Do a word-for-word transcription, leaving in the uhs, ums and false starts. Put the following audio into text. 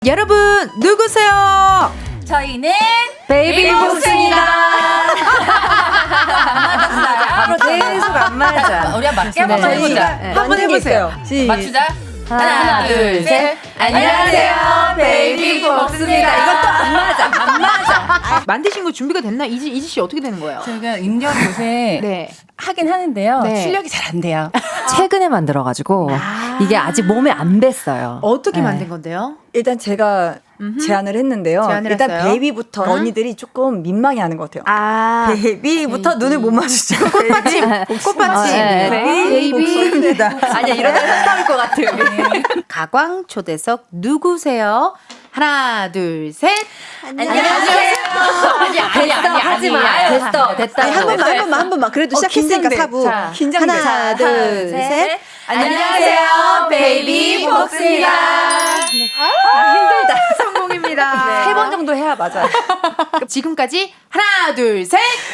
여러분 누구세요? 저희는 베이비복스입니다. 계속 안 맞아. 우리 한번 맞게 한번 네. 해보자. 네. 한번 해보세요. 맞추자. 하나, 하나, 둘, 둘, 셋. 셋. 안녕하세요, 베이비복스입니다. 이것도 안 맞아. 안 맞아. 만드신 거 준비가 됐나? 이지 이지 씨 어떻게 되는 거예요? 저희가 인디언 요새 네. 하긴 하는데요. 네. 실력이 잘 안 돼요. 최근에 만들어가지고 아. 이게 아직 몸에 안 뱄어요. 어떻게 네. 만든 건데요? 일단 제가 음흠. 제안을 했는데요. 제안을 일단 했어요? 베이비부터 언니들이 조금 민망해하는 것 같아요. 아, 베이비부터 눈을 못 마주치고 꽃받침, 꽃받침. 네. 베이비. 복수입니다. 아니야 이러면 싸울 것 같아요. 가광 초대석 누구세요? 하나, 둘, 셋. 안녕하세요. 아니, 아니, 됐어 아니, 하지 아니, 마. 아니. 됐어 됐다. 아니, 한 번만, 한 번만, 한 번만. 그래도 어, 시작했으니까 긴장돼. 사부. 자, 긴장돼. 하나, 둘, 셋. 안녕하세요, 베이비복스입니다. 아, 힘들다. 성공입니다. 세 번 정도 해야 맞아요. 지금까지 하나, 둘, 셋.